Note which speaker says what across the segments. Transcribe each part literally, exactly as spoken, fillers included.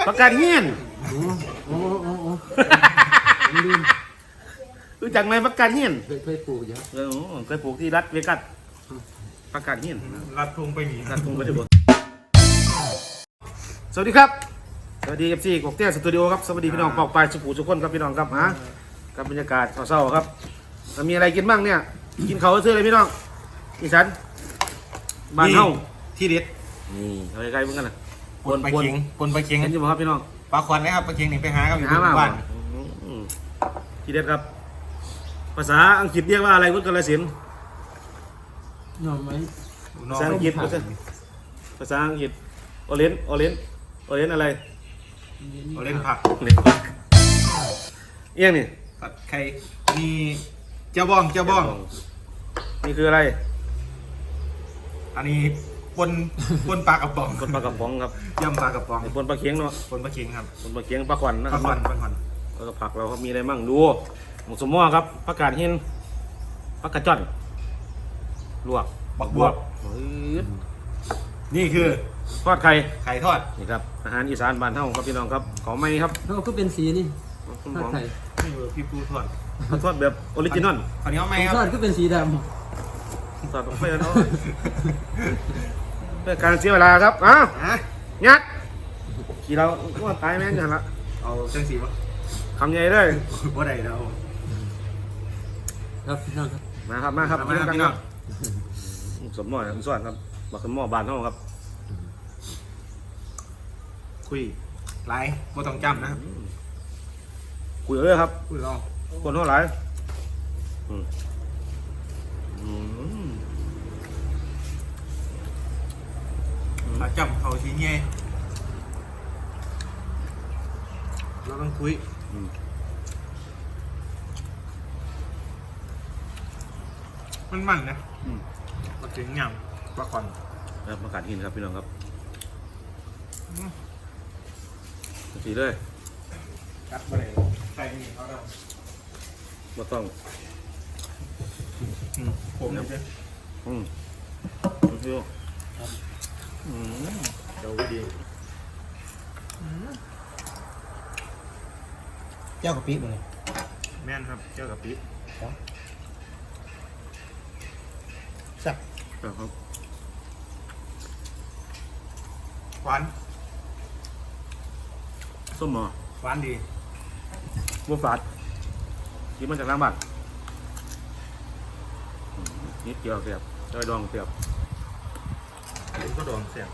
Speaker 1: ประกาศเฮียน
Speaker 2: โอ้โอ้โอ้โอ้ลืม
Speaker 1: รู้จักไหมประกาศเฮียน
Speaker 2: เคยเคยปลูกเยอะ
Speaker 1: เออเคยปลูกที่รัฐเวกัสประกาศเฮียน
Speaker 3: รัดทุ่งไปหนี
Speaker 1: รัฐทุ่งไปถึงสวัสดีครับสวัสดีเอฟซีกบเตี้ยสตูดิโอครับสวัสดีพี่น้องปอกปลายสุขุสุขคนครับพี่น้องครับฮะกับบรรยากาศเศร้าๆครับแล้วมีอะไรกินบ้างเนี่ยกินเขาซื้ออะไรพี่น้องอีสันบ้านเฮา
Speaker 3: ที่เด็ด
Speaker 1: นี่เอาใกล้ๆเหมือนกันนะ
Speaker 3: ปนปลาเค็งปนปลาเค็ง
Speaker 1: เห็นอยู่ไหมครับพี่น้อง
Speaker 3: ปลาควันนะครับปลาเค็งนี่ไปหาครับอยู่
Speaker 1: หามา
Speaker 3: บ้าน
Speaker 1: อืมทีเด็ดครับ ภาษาอังกฤษเรียกว่าอะไรวุฒิกาฬสินธุ์
Speaker 2: หน่อไม้
Speaker 1: ภาษาอังกฤษภาษาภาษาอังกฤษโอเลนโอเลนโอเลนอะไร
Speaker 3: เราเล่นผัก
Speaker 1: เล่นปักเอี้ยงนี่
Speaker 3: ผัดไข่มีเจ้าบ้องเจ้าบ้อง
Speaker 1: นี่คืออะไร
Speaker 3: อันนี้ปนปนปลากระป๋อง
Speaker 1: ปนปลากระป๋องครับ
Speaker 3: ยำปลากระป๋อง
Speaker 1: ไอ้ปนปลาเคียงเนาะ
Speaker 3: ปนปลาเค็งครับ
Speaker 1: ปนปลาเคียงปลาขวัญนะ
Speaker 3: ป
Speaker 1: ค
Speaker 3: ลา
Speaker 1: รับ
Speaker 3: ควันปลาควัน
Speaker 1: แล้วก็ผักเราครับมีอะไรมั่งดูหมูสมอครับผักกาดหินผักกระจ่อนลวก
Speaker 3: บักบวบ
Speaker 1: เฮ้ย
Speaker 3: นี่คือ
Speaker 1: ทอดไข่
Speaker 3: ไข่ทอด
Speaker 1: นี่ครับอาหารอีสานบ้านเฮาครับพี่น้องครับของใหม่ครับ
Speaker 2: แล้วก็เป็นสีนี่
Speaker 1: คุณห
Speaker 2: ถ้าม
Speaker 1: อ
Speaker 2: ไข่
Speaker 3: นี่คือพี่ปูทอด
Speaker 1: เขาทอดแบบออริจินอล
Speaker 3: คราวนี้เอาไหมค
Speaker 2: ทอ
Speaker 3: รั
Speaker 2: ด
Speaker 3: บ
Speaker 2: ก็เป็นสีด
Speaker 1: ทอดไปแล้วเนาะเพื่อการเสียเวลาครับอ้าว
Speaker 3: ฮะ
Speaker 1: งัดขี่เราว่าตายแม่งกันละ
Speaker 3: เอาเส้นสีป่ะ
Speaker 1: คำใหญ่เลย
Speaker 3: ว่าใดแล้ว
Speaker 2: ำครับพี่น้องครับ
Speaker 1: มาครับมาครับ
Speaker 3: มาครับ
Speaker 1: กิ
Speaker 3: พี่
Speaker 1: น
Speaker 3: น้
Speaker 1: กั
Speaker 3: อน ง
Speaker 1: ครับสมหม้อสมส่วนครับบักสมหม้อบานเฮาครับ
Speaker 3: คุยไลฟ์ไม่ต้องจำนะครับ
Speaker 1: คุยเลยครับ
Speaker 3: คุยลอง
Speaker 1: คนเท่าไหร่อืมอืม
Speaker 3: ถ้าจำเขาทีเงี้ยเราต้องคุย
Speaker 1: อืม
Speaker 3: มันมันนะ
Speaker 1: อืม
Speaker 3: ปลาเค็งยำปลาควัน
Speaker 1: แล้วประกาศหินครับพี่น้องครับสีเลย
Speaker 3: กัดไปเลยใส่นี่เขาเรา
Speaker 1: ไม่ต้อง
Speaker 3: ผมเลย
Speaker 1: อืมดูอืม
Speaker 3: เดี๋ยวดี
Speaker 2: เจ้ากะปิเลย
Speaker 3: แม่นครับเจ้ากับปิ๊บ
Speaker 2: สับ
Speaker 1: ครับ
Speaker 3: หวาน
Speaker 1: ส้มหมอ
Speaker 3: หวานดี
Speaker 1: บัวฝาดกินมาจากร้านบ้านอืมนิดเดียวเสียบจอยดองเสียบ
Speaker 3: ผมก็โดนเสียบเลย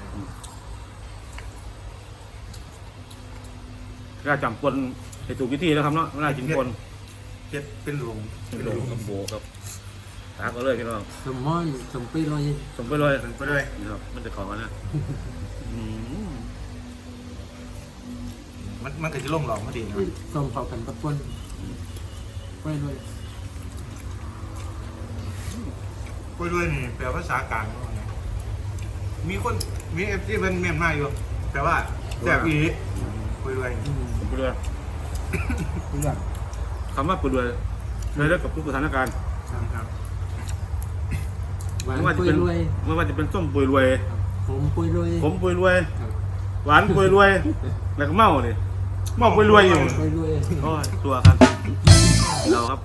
Speaker 1: ก็จำคนให้ถูกวิธีนะครับเนาะเวลากินคน
Speaker 3: เจ็ดเป็นหลวง
Speaker 1: เป็นโลกับโบครับตากก็เลยพี่น้อง
Speaker 2: สมมอนสมปีลอย
Speaker 1: สมไปเลย
Speaker 3: เป็นไปด้วย
Speaker 1: นี่ครับมันจะของกันนะอืม
Speaker 3: มันมันก็จะล่งหลอกมาดีนะ
Speaker 2: สมเผากันตะปนไปเลย
Speaker 3: ไปด้วยนี่แปลภาษากลางว่าไงมีคนมีเอฟซีเป็นเมียนมาอยู่แต่ว่าแสบอีไปด้วย
Speaker 1: สมไปเลย
Speaker 2: เรื่อง
Speaker 1: คำว่าปุยเลยเลยแล้วกับทุกสถานการณ์
Speaker 3: ครับ
Speaker 2: หวาน
Speaker 1: ไม่ว่าจะ
Speaker 2: ปุย
Speaker 1: เป็น
Speaker 2: รวย
Speaker 1: ไม่ว่าจะเป็นส้มปุยรวย
Speaker 2: ผมปุยรวย
Speaker 1: ผมปุยรวย หวานปุยรวย แล้วก็เมาเลยเมาปุยรวยอยู่
Speaker 2: ปุยรวย
Speaker 1: โอ้ยตัวครับเราครับ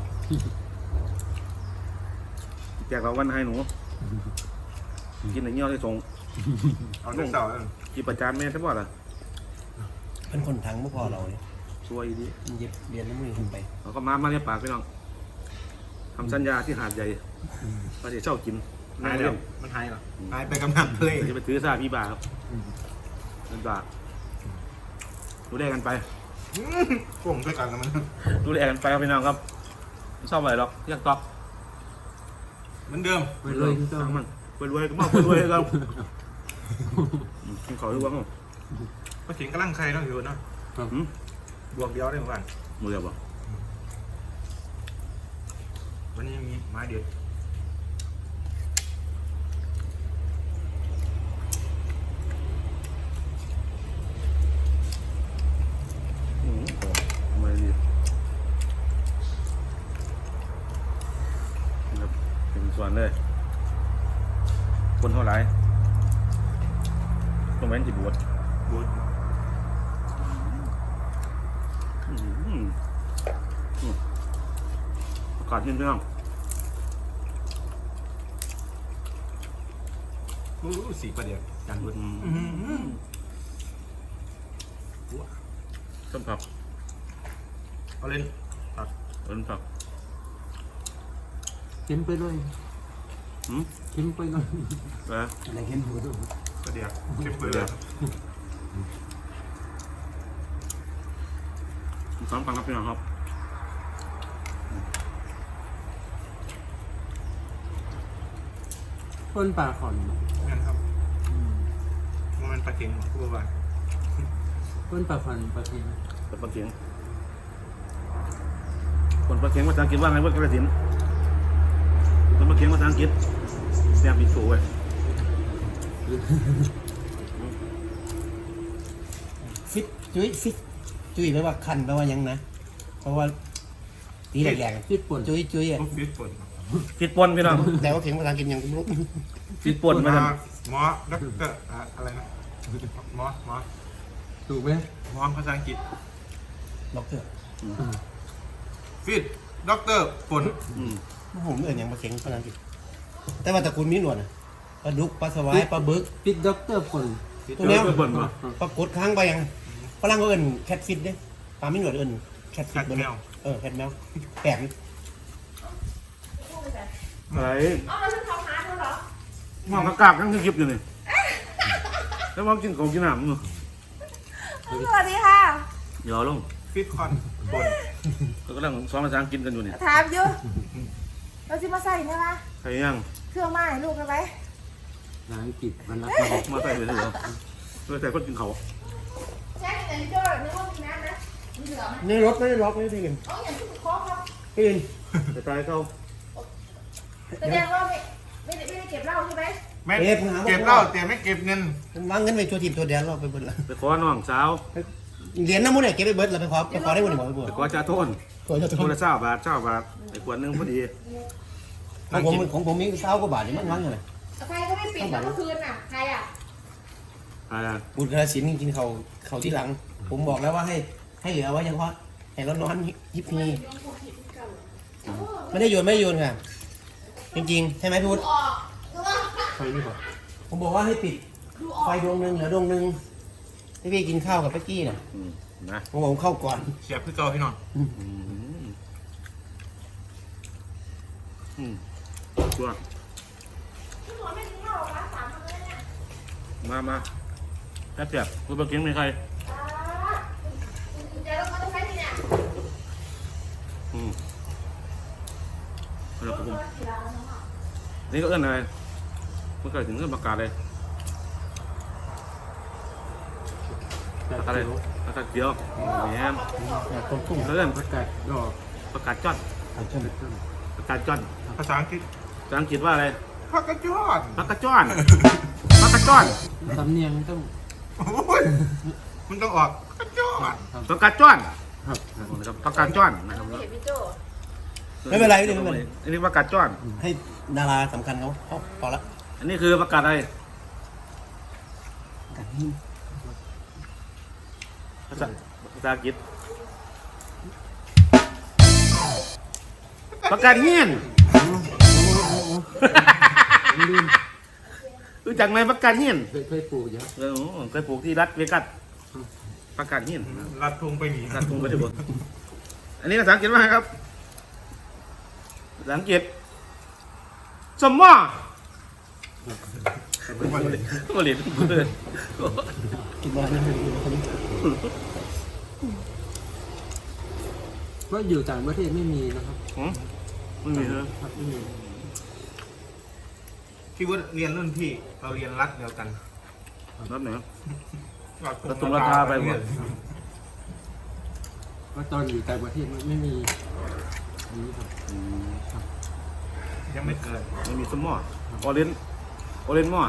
Speaker 1: แจกเราวันให้หนูกินอะไรเงี้ยได้ส่ง
Speaker 3: เอาเต่า
Speaker 1: จีประจานแม่ทั้งหมดอ่ะ
Speaker 4: เป็นคนทั้งไม่พอเราเนี่ย
Speaker 1: ช่วยดี
Speaker 4: มันเย็บเรียนแล้วมือคุณไป
Speaker 1: เราก็มามาเนี่ยปากพี่น้องทำสัญญาที่หาดใหญ่ว่าจะเช่ากิน
Speaker 3: หายแล้วมันหายหรอหายไปกำนันเพล
Speaker 1: จะไปถือซาพี่บาครับเป็นบาดูแลกันไป
Speaker 3: ผมไปกันแล้วมัน
Speaker 1: ดูแลกันไปครับพี่น้องครับไม่ชอบอะไรหรอกอยากตอบ
Speaker 3: เหมือนเดิม
Speaker 2: ปุยรวยคือเจ้า
Speaker 1: ช่างมันไปรวยก็มาไปรวยกันกินขอดูบ้าง
Speaker 3: มาถึงกำลังใครต้องอยู่เนาะ
Speaker 1: อืม
Speaker 3: บวกเดียวได้เหมือนกัน
Speaker 1: มือเดียวบ่
Speaker 3: วันนี้มีไม้เดียว
Speaker 1: อืมทำไมดีครับเป็นส่วนเลยคนเท่าไหร่ต้องแว้นจีบวช
Speaker 3: บวก
Speaker 1: ก่อนกินพี่น้อง
Speaker 3: รู้สีประเดี๋ยวจันบุญ
Speaker 1: ต้มผัก
Speaker 3: เอาเล่น
Speaker 1: ต้มผัก
Speaker 2: เค็มไปเลย
Speaker 1: หืม
Speaker 2: เค็มไปเลย
Speaker 1: เออ
Speaker 4: อะไรเห็นหัวด้วย
Speaker 3: ประเดี๋ยวเข้มไปเลย
Speaker 1: สองฟังครับพี่น้องครับ
Speaker 2: ต้นปลาขอน
Speaker 3: งั้นครับมันปลาเค็งพูดว่า
Speaker 2: ต้นปลาขอนปลาเค็ม
Speaker 1: เป็นปลาเข็งคนปลาเข็งภาษาอังกฤษว่าไงเพื่อนกระสินคนปลาเข็งภาษาอังกฤษแซ่บอีกสูไว้
Speaker 4: ฟิตจุ้ยฟิตจุ้ยแปลว่าคันแปลว่ายังนะ เพราะว่าตีแหลก
Speaker 2: ฟิตป่น
Speaker 4: ๆจุ้ยจุ้ยอ่ะ
Speaker 3: พวกฟิตปน
Speaker 1: ฟิตปนพี่น้อง
Speaker 4: แต่ว่าเข็งภาษาอังกฤษยังไม่รู้
Speaker 1: ฟิตปนมาท
Speaker 3: หมอด็อกเตอร์อะไรนะหมอหมอ
Speaker 2: ถูกไหม
Speaker 3: หมอภาษาอังกฤษ
Speaker 4: ด็อกเตอร์
Speaker 3: ฟิตด็อกเตอร์ปน
Speaker 1: ำอืม
Speaker 4: ผมเอ่ยยังมาเข็งภาษาอังกฤษแต่ว่าตระกูลมีหนวดนะปลาดุกปลาสวายปลาบึก
Speaker 2: ฟิตด็อกเตอร์ป่น
Speaker 4: ตัวเนี้ย
Speaker 1: เพื่อนปนมา
Speaker 4: ปรากฏค้างไปยังฝรั่งก็เอิ้นแคทฟิตเด้ปลาไม่หนวดเอิ้นแคทฟิ
Speaker 3: กั
Speaker 4: ต
Speaker 3: ด
Speaker 4: บ่
Speaker 3: แม
Speaker 4: เนาะ
Speaker 3: ว
Speaker 4: เออแคทแมวแปลกนี่
Speaker 1: อะไร
Speaker 5: เอาแล้วฉันทำหาเธอเหรอ
Speaker 1: มองกระกาบนั่งคลิปอยู่นี่แล้วมองกินของกินน้ำอยู่
Speaker 5: สวัสดีค่ะ
Speaker 1: เดี๋ยวลง
Speaker 3: ฟิตคอนปน
Speaker 1: ก็กำลังซ้อมภาษาอังกฤษกันอยู่นี่
Speaker 5: ถามอยู่เราจะมาใส่ใช่ไหม
Speaker 1: ใครยัง
Speaker 5: เครื่องไม้ลูกกันไหม
Speaker 2: นางกิจมันรัก
Speaker 1: มาใส่เลยเหรอมาใส่คนกินเขา
Speaker 5: แช่ในโจ้นึกว่ามีน้ำนะมีเหลือไหม
Speaker 4: ในรถไม่ได้ล็อกไม่ได้กิน
Speaker 5: เอาอย่างที่คุณคอครับ
Speaker 4: กิน
Speaker 1: แต่ตายเขา
Speaker 5: แสดงว่าไม่ไม่ได้ไม่ได้เก็บเหล้าใช่ไหม
Speaker 3: ไม่เก็บเหล้าแต่ไม่เก็บเงิน
Speaker 4: วางเงินไปตัวทีมตัวแดนเราไปเบิดละ
Speaker 1: ไปขอน้องสาว
Speaker 4: เหรียญน้ำมันเนี่ยเก็บไปเบิดเราไปขอไปขอได้บ่นี่บ่ไปเบิด
Speaker 1: ไปขอจ่าโทน
Speaker 4: ขอจะ
Speaker 1: ค
Speaker 4: ท
Speaker 1: น
Speaker 4: น
Speaker 1: ละเจ้าบาทเจ้าบาทไอ้ขวดหนึงพอดี
Speaker 4: ของผมของผมมีเช้ากว่าบาทนี่มันวางยังไง
Speaker 5: ใครก็ไม่ปิดแล้วเมื่อคืนน่ะใครอ่ะ
Speaker 1: อ่า
Speaker 4: บุญกระสินกินเขาเขาที่หลัง ผมบอกแล้วว่าให้ให้เหลือไว้เฉพาะให้ร้อนๆยิบพีไม่ได้โยนไม่ได้โยนค่ะจริงๆใช่ไหมพี่วุฒิ
Speaker 5: ออกคือว่า
Speaker 2: ไฟนี่ก่อน
Speaker 4: ผมบอกว่าให้ปิดไฟดวงหนึ่งเหลือดวงหนึ่งที่พี่กินข้าวกับเป๊กกี้น่ะ
Speaker 1: อืมนะ
Speaker 4: ผมบอกผมเข้าก่อน
Speaker 3: เสียบคือเก่าพี่น้อง
Speaker 1: อืมอืมตัว
Speaker 5: พี่หมอไม่กินเหล้าหรอคะสามคนเลยเนี่ย
Speaker 1: มามาแป๊บเดียวคุณปะเกียงมีใคร
Speaker 5: อ่าคุณจะต้องมาต้องใช้ที่เนี่ย
Speaker 1: อืมแล้วผม
Speaker 5: ตัวกี่ล้านแล้วเนาะ
Speaker 1: นี่ก็เอื้อนอะไรเมื่อกี้ถึงเอื้อนประกาศเลย
Speaker 2: แต่
Speaker 1: ประกาศอะไร
Speaker 2: เขียว
Speaker 1: ประกาศเดียวแหม
Speaker 4: แบบต้มตุ้ม
Speaker 1: เอื้อน
Speaker 2: ประกาศดอก
Speaker 1: ประกาศจ้อน
Speaker 4: เอาเช่น
Speaker 1: ประกาศจ้อน
Speaker 3: ภาษาอังกฤษ
Speaker 1: ภาษาอังกฤษว่าอะไร
Speaker 3: พักกระจอด
Speaker 1: ประกาศจ้อนประกาศจ้อน
Speaker 2: สำเนียงต้อง
Speaker 3: โอ้ยมันต้องออกกระจอด
Speaker 1: ประกาศจ้อน
Speaker 2: ครับครับ
Speaker 1: นะครับประกาศจ้อนนะครับ
Speaker 5: ไม่เห็นพี่โจ้
Speaker 4: ไม่เป็นไรไม่เป็นไร
Speaker 1: อันนี้ประกาศจ้อน
Speaker 4: ให้ดาราสำคัญเขาเขาพอละ
Speaker 1: อันนี้คือประกาศอะไรภาษาภาษาอังกฤษประกาศเฮียน
Speaker 2: ลืม
Speaker 1: รู้จักไหมประกาศเฮียน
Speaker 2: เคยเคยปลูกเยอะ
Speaker 1: เออเคยปลูกที่รัฐเวกัสประกาศเฮียน
Speaker 3: รัดทุงไปหนี
Speaker 1: รัฐกรุงไปที่บนอันนี้ภาษาอังกฤษว่าไงครับภาษาอังกฤษสมมอมาเลยมาเลยเพื่อน
Speaker 4: กินบ้านนี่ไม่ดีคนนี้
Speaker 2: ก็อยู่ต่างประเทศไม่มีนะครับ
Speaker 1: หืมไม่มีเลย
Speaker 2: ครับไม่มี
Speaker 3: ที่ว่าเรียนรุ่นพี่เราเรียนรัฐเดียวกัน
Speaker 1: รัฐไหน
Speaker 3: รัฐ
Speaker 1: รัฐตรงราคาไปหมด
Speaker 2: ก็ตอนอยู่ต่างประเทศไม่ไม่มีอันนี้ครับ
Speaker 3: ยังไม่เกิด
Speaker 1: ไม่มีสมอออเรนออเรนมอ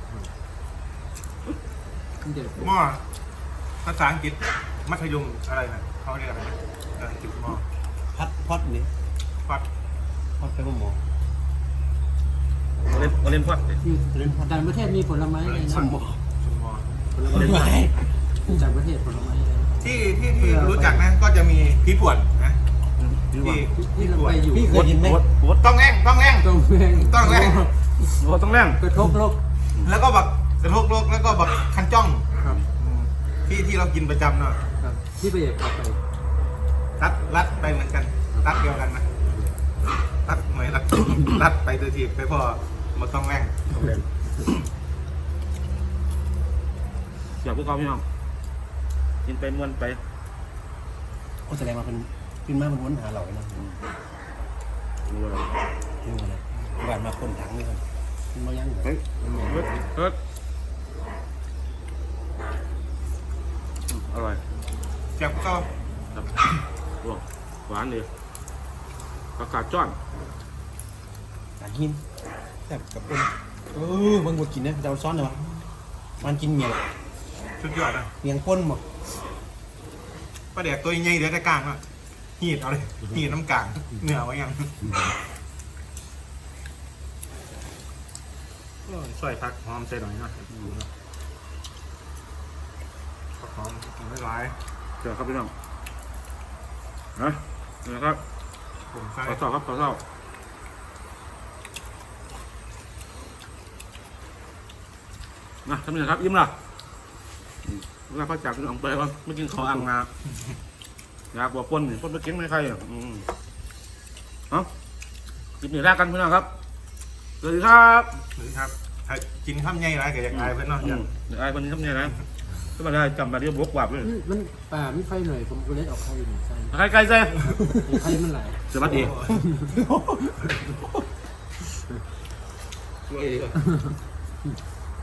Speaker 2: เด็ก
Speaker 3: หม้อภาษาอังกฤษมัธยมอะไรนะเขาเรียกอะไรนะภาษาอังกฤษหม้อ
Speaker 4: พัดพอดนี่
Speaker 3: ฟัด
Speaker 4: พอดไปว่าหมอ
Speaker 1: ออเรนออเรนพอด
Speaker 2: อยู่ต่างประเทศมีผลไม้อะไรนะ
Speaker 4: สมหมอ
Speaker 3: ชุมหม้อ
Speaker 2: ผลไม้
Speaker 4: ไม่ไหว
Speaker 2: ต่างประเทศผลไม้อะไร
Speaker 3: ที่ที่ที่รู้จักนะก็จะมีพริกป่วนนะ
Speaker 1: พหรือว่า
Speaker 3: ที่
Speaker 2: ที่เรา
Speaker 3: ด่ว
Speaker 2: ไป
Speaker 3: น
Speaker 2: อยู่
Speaker 4: พี่เคยกินไหม
Speaker 1: บดบด
Speaker 3: ต้องแรงต้องแรง
Speaker 2: ตรงแรง
Speaker 3: ต้องแรง
Speaker 1: บดต้องแรง
Speaker 2: กระทบโลก
Speaker 3: แล้วก็บักกระทกโลกแล้วก็บักคันจ้อง
Speaker 2: ครับ
Speaker 3: ที่ที่เรากินประจำเนาะ
Speaker 2: ครับที่ไปเอกขับไป
Speaker 3: รัดรัดไปเหมือนกันรัดเดียวกันนะรัดเหมือนรัด รัดไปโดยที่ไปพอมาต้องแรง
Speaker 1: ต้องแรงอยากพวกเขาพี่น้องกินไปม้วนไป
Speaker 4: ก็แสดงว่าเป็นเป็นมามันวนหาเราไอ้นะ
Speaker 1: ดูอะไร
Speaker 4: นี่มันเลยบ้านมาคนถังนี่ครับมันมายังเหรอ
Speaker 1: เฮ้ยเฮ้ยเฮ้ยอืมอร่อย
Speaker 3: เจ็บก็
Speaker 1: ครับโอ้หวานเลยผักกาดจ้อน
Speaker 4: ตากินแบบกับคนเออบางคนกินนะจะเอาซ้อนเลยวะมันกินเมียง
Speaker 3: สุดยอดนะ
Speaker 4: เมียงป้นหมด
Speaker 3: ปลาแดกตัวใหญ่เดี๋ยวจะกลางอ่ะหีดเอาเลยหีดน้ำกลางเหนือไว้ยังช่วยพักหอมใส่หน่อยหน่อยพักหอมไม่ร้าย
Speaker 1: เจอครับพี่น้องนะนี่นะครับ
Speaker 3: ผมใส่
Speaker 1: ขอเศร้าครับขอเศร้านะทำยังไงครับยิ้มล่ะเวลาพักจากพี่น้องไปว่าไม่กินข้าวอ่างนาอยากบอกปนนี่ปนไปกินไม่ใครอ่ะอืมเอากินหนีแรกกันพี่น้องครับสวัสดีครับ
Speaker 3: หรือครับถ้ากินข้ามใหญ่ไรก็อยากอายเพื่อนเนาะ
Speaker 1: อื
Speaker 3: อยาก
Speaker 1: มเดี๋ยวไอ้คนนี้ทำยังไงนะก็มาได้จำมาเรียกบวกวับเลย
Speaker 2: มันป่าไม่ไฟหน่อยผมก็เลยเอาไข่หนึ่งใส่
Speaker 1: ใครใครใส่
Speaker 2: ไข่มันไหล
Speaker 1: สวัสดี
Speaker 3: โอ้ย